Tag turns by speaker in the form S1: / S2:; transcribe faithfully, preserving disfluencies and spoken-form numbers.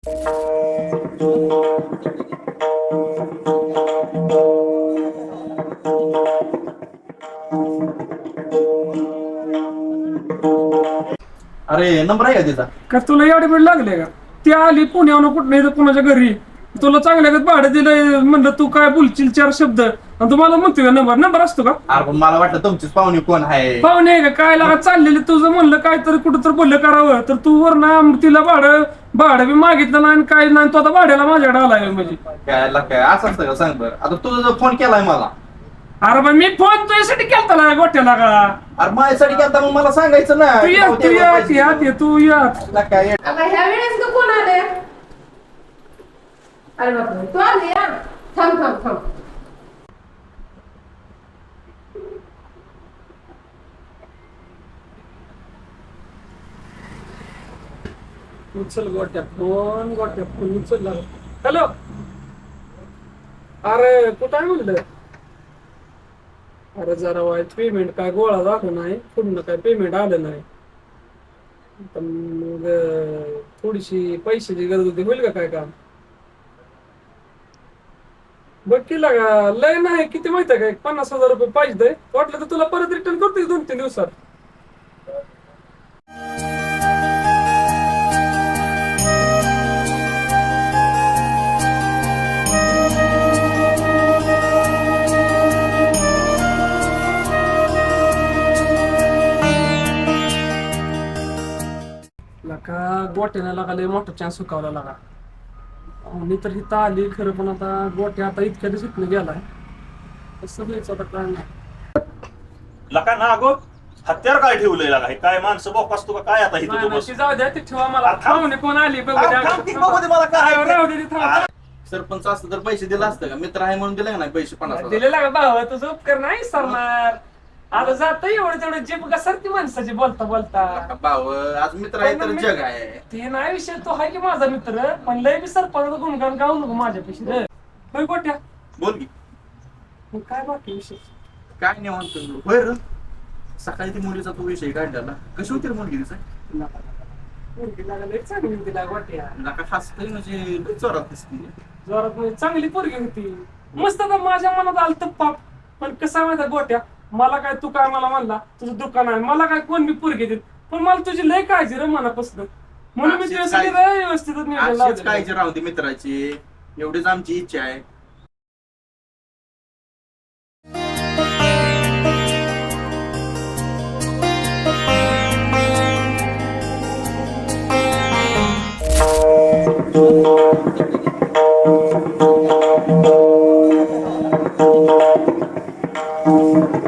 S1: अरे नंबर आहे का तिचा?
S2: का तुला एवढे वेळ लागले का? ती आली पुण्याहून कुठं नाही तर कुणाच्या घरी तुला चांगल्या भाडं दिलं म्हणलं तू काय बोलशील चार शब्द आणि तुम्हाला म्हणतोय नंबर नंबर असतो का?
S1: अरे पण मला वाटलं तुमचीच पाहुणी कोण आहे.
S2: पाहुणे आहे का काय लागा चाललेले तुझं म्हणलं काय तर कुठं तर बोललं करावं तर तू वर ना तिला भाडं भाडं बी मागितलं नाही आणि काय नाही तो आता भाड्याला माझ्याकडे आलाय म्हणजे
S1: काय ला काय असं असतं का सांग बरं. आता तुझा जो फोन केलाय मला,
S2: अरे पण मी फोन तुझ्यासाठी केलता ना गोट्याला का?
S1: अरे माझ्यासाठी केलता मग मला सांगायचं ना.
S2: तू या तू या या ये तू या
S1: ला काय
S3: आता ह्या वेळेस का कोण आले? अरे बापरे तू आली या थांब थांब थांब
S2: उचल गोट्या फोन गोट्या फोन उचल. हॅलो अरे कुठं आहे म्हणलं? अरे जरा वाईट पेमेंट काय गोळा झालं नाही पूर्ण काय पेमेंट आलं नाही तर मग थोडीशी पैशाची गरज होती. होईल का काय काम? बघ केला का? लय नाही किती माहिती आहे का? एक पन्नास हजार रुपये पाहिजे वाटलं तर तुला परत रिटर्न करते दोन तीन दिवसात. लका गोट्याने लागा लय मोठा चान्स सुकावला लागा. मी तर इथं आली खरं पण आता गोट्या आता इतक्या दिवसातून गेलाय कसं द्यायचं आता काय नाही.
S4: लका ना अगो हत्यार काय ठेवलंय लागा? हे काय माणसं बोकास तू का काय आता इथं
S2: नाही,
S4: तू
S2: नाही,
S4: बस
S2: ती जाऊ द्या ती ठेवा मला.
S4: थांब.
S2: पाहुणे कोण आली बघू द्या.
S4: थांब, ती बघू दे मला काय आहे ते.
S2: राहू दे ती थांब.
S1: सरपंच असतं तर पैसे दिला असतं का? मित्र आहे म्हणून दिले का नाही पैसे पन्नास हजार?
S2: दिलेला का भाव तुझं उपकार नाही सरणार. आता जात एवढं तेवढं जे बघा सर ती माणसाची बोलता बोलता
S1: का भाऊ आज मित्र आहे तर जग आहे.
S2: ते नाही विषय तो आहे की माझा मित्र पण लय बी सरपंच गुणगान गाऊ नको माझ्यापेक्षा रे. होय गोट्या
S1: बोल की
S2: मग काय बाकी विषय?
S1: काय नाही म्हणतो. होय रे सकाळी ती मुलीचा तो विषय काढला. कशी होती रे मुलगी तिचा?
S2: पोरगी लागा लय चांगली होती ला गोट्या.
S1: नका हसतय म्हणजे लय जोरात दिसते.
S2: जोरात म्हणजे चांगली पोरगी होती मस्त. आता माझ्या मनात आलं तर पाप पण कसा माहिती गोट्या मला काय तू काय मला म्हणला तुझं दुकान आहे मला काय कोण बी पोरगी देत पण मला तुझी लय काळजी रे मनापासून म्हणून मी
S1: अशीच
S2: तुझ्यासाठी
S1: काळजी-
S2: लय व्यवस्थित नियोजन
S1: अशीच
S2: लावलेलं.
S1: काळजी राहू दे मित्राची, एवढीच आमची इच्छा आहे.
S3: Thank you.